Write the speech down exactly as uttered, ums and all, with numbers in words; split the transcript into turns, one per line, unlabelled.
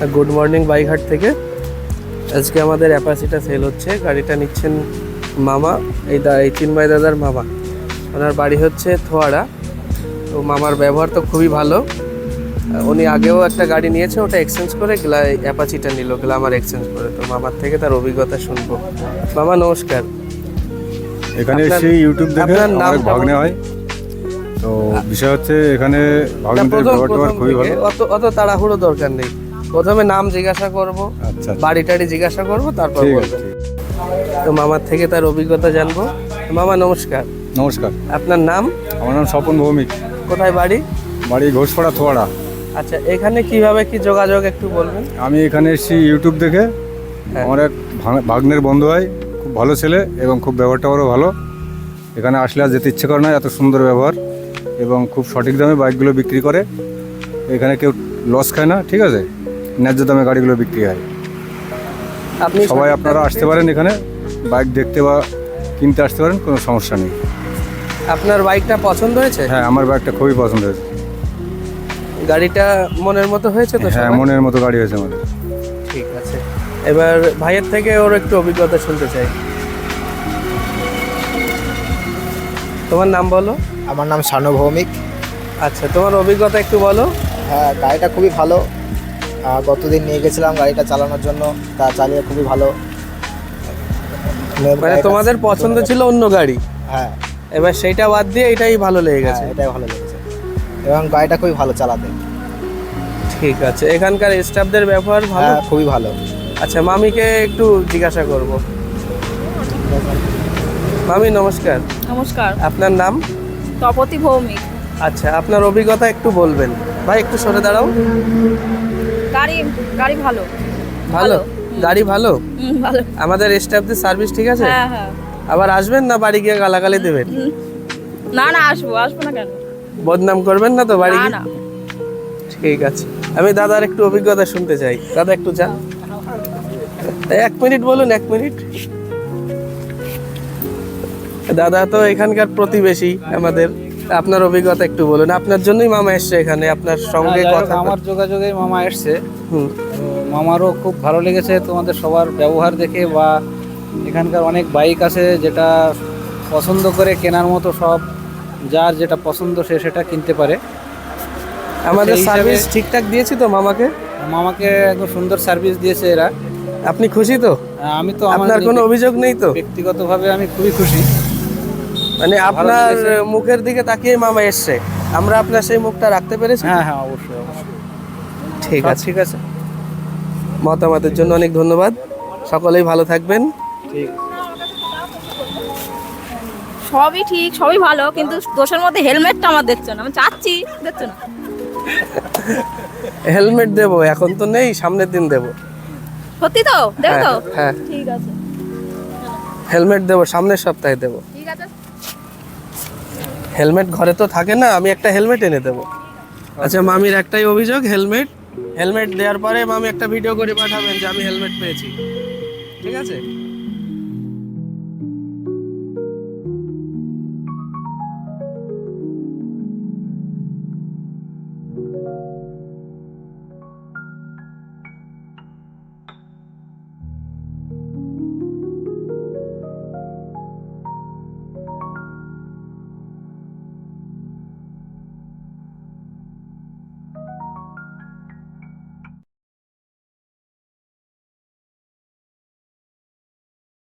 Good morning বাইঘাট থেকে। আজকে আমাদের অ্যাপাচিটা সেল হচ্ছে। গাড়িটা নিচ্ছেন মামা, এই দা এই চিন্ময় দাদার মামা। ওনার বাড়ি হচ্ছে থোয়াড়া। তো মামার ব্যবহার তো খুবই ভালো। উনি আগেও একটা গাড়ি নিয়েছে, ওটা এক্সচেঞ্জ করে গ্লা অ্যাপাচিটা নিল, গ্লামার এক্সচেঞ্জ করে। তো মামার থেকে তার অভিজ্ঞতা শুনবো। মামা নমস্কার।
এখানে এসে ইউটিউব দেখে আমার ভাগ্নে হয়। তো বিষয় হচ্ছে এখানে ভাগ্নেদের ব্যবহারটা খুবই ভালো।
অত অত তাড়াহুড়ো দরকার নেই। প্রথমে নাম জিজ্ঞাসা করব,
আচ্ছা
বাড়ি টাড়ি জিজ্ঞাসা করব, তারপর
ঠিক
বলবেন।
আছে।
তো মামার থেকে তার অভিজ্ঞতা জানবো। মামা নমস্কার।
নমস্কার,
আপনার নাম?
আমার নাম স্বপন ভৌমিক।
কোথায় বাড়ি?
বাড়ি ঘোষপাড়া থোয়াড়া।
আচ্ছা, এখানে কিভাবে কি যোগাযোগ একটু বলবেন?
আমি এখানে এসেছি ইউটিউব দেখে।
হ্যাঁ।
আমার এক ভাগ- ভাগ্নের বন্ধু হয়, খুব ভালো ছেলে এবং খুব ব্যবহারটাও ভালো। এখানে আসলে আর যেতে ইচ্ছে করে না, এত সুন্দর ব্যবহার এবং খুব সঠিক দামে বাইকগুলো বিক্রি করে। এখানে কেউ লস খায় না, ঠিক আছে, ন্যায্য দামে গাড়িগুলো বিক্রি হয়।
আপনি
সবাই
সঠিক
আপনারা
দামে
আসতে পারেন, এখানে বাইক দেখতে বা কিনতে আসতে পারেন, কোনো সমস্যা নেই।
আপনার বাইকটা পছন্দ হয়েছে?
হ্যাঁ, আমার বাইকটা খুবই পছন্দ হয়েছে।
গাড়িটা মনের মতো হয়েছে তো?
হ্যাঁ,
সবার?
মনের মতো গাড়ি হয়েছে আমাদের।
ঠিক আছে, এবার ভাইয়ের থেকে ওর একটু অভিজ্ঞতা শুনতে চাই। তোমার নাম বলো।
আমার নাম শানু ভৌমিক।
আচ্ছা, তোমার অভিজ্ঞতা একটু বলো।
হ্যাঁ, গাড়িটা খুবই ভালো। আহ, গতদিন নিয়ে গেছিলাম গাড়িটা চালানোর জন্য, তা চালিয়ে খুবই ভালো।
মানে তোমাদের পছন্দ ছিল অন্য গাড়ি,
হ্যাঁ
এবার সেইটা বাদ দিয়ে এটাই ভালো লেগে
হ্যাঁ,
গেছে।
এটাই ভালো লেগেছে এবং গাড়িটা খুবই ভালো চালাতে।
ঠিক আছে, এখানকার স্টাফদের ব্যবহার ভালো?
হ্যাঁ, খুবই ভালো।
আচ্ছা, মামিকে একটু জিজ্ঞাসা করব। মামি নমস্কার।
নমস্কার,
আপনার নাম?
তপতি ভৌমিক।
আচ্ছা, আপনার অভিজ্ঞতা একটু বলবেন। ভাই একটু সরে দাঁড়াও।
গাড়ি গাড়ি ভালো
ভালো গাড়ি ভালো?
হুম, ভালো।
আমাদের স্টাফদের সার্ভিস ঠিক আছে?
হ্যাঁ হ্যাঁ
আবার আসবেন না বাড়ি গিয়ে গালাগালি দেবেন?
হুম। না না, আসবো আসবো না কেন?
বদনাম করবেন না তো বাড়ি
না
গিয়ে?
না।
ঠিক আছে, আমি দাদার একটু অভিজ্ঞতা শুনতে চাই। দাদা একটু যান, এক মিনিট বলুন, এক মিনিট। দাদা তো এখানকার প্রতিবেশী আমাদের, আপনার অভিজ্ঞতা একটু বলুন। আপনার জন্যই মামা এসছে এখানে, আপনার সঙ্গে
হ্যাঁ, যাই হোক,
কথা।
আমার যোগাযোগে মামা এসছে।
হুম।
তো মামারও খুব ভালো লেগেছে তোমাদের সবার ব্যবহার দেখে, বা এখানকার অনেক বাইক আছে যেটা পছন্দ করে কেনার মতো, সব যার যেটা পছন্দ সে সেটা কিনতে পারে।
আমাদের
সেই হিসাবে-
সার্ভিস ঠিকঠাক দিয়েছি তো মামাকে?
মামাকে একদম সুন্দর সার্ভিস দিয়েছে এরা।
আপনি খুশি তো?
আমি তো আমার
আপনার কোনো অভিযোগ নেই তো?
ব্যক্তিগতভাবে আমি খুবই খুশি।
মানে আপনার
লেগেছে।
মুখের দিকে তাকিয়ে মামা এসছে, আমরা আপনার সেই মুখটা রাখতে পেরেছি।
হ্যাঁ হ্যাঁ, অবশ্যই অবশ্যই।
ঠিক
সব
আছে,
ঠিক আছে।
মতামতের জন্য অনেক ধন্যবাদ। সকলেই ভালো থাকবেন।
ঠিক।
সবই ঠিক, সবই ভালো, কিন্তু দোষের মধ্যে হেলমেটটা আমার দেখছো না। আমি চাচ্ছি, দেখছো না?
হেলমেট দেবো, এখন তো নেই, সামনের দিন দেবো।
সত্যি তো? দেখো তো?
হ্যাঁ, হ্যাঁ,
ঠিক আছে
হেলমেট দেবো, সামনের সপ্তাহে দেবো।
ঠিক আছে।
হেলমেট ঘরে তো থাকে না, আমি একটা হেলমেট এনে দেবো। আচ্ছা, মামির একটাই অভিযোগ, হেলমেট হেলমেট দেওয়ার পরে মামি একটা ভিডিও করে পাঠাবেন যে আমি হেলমেট পেয়েছি। ঠিক আছে?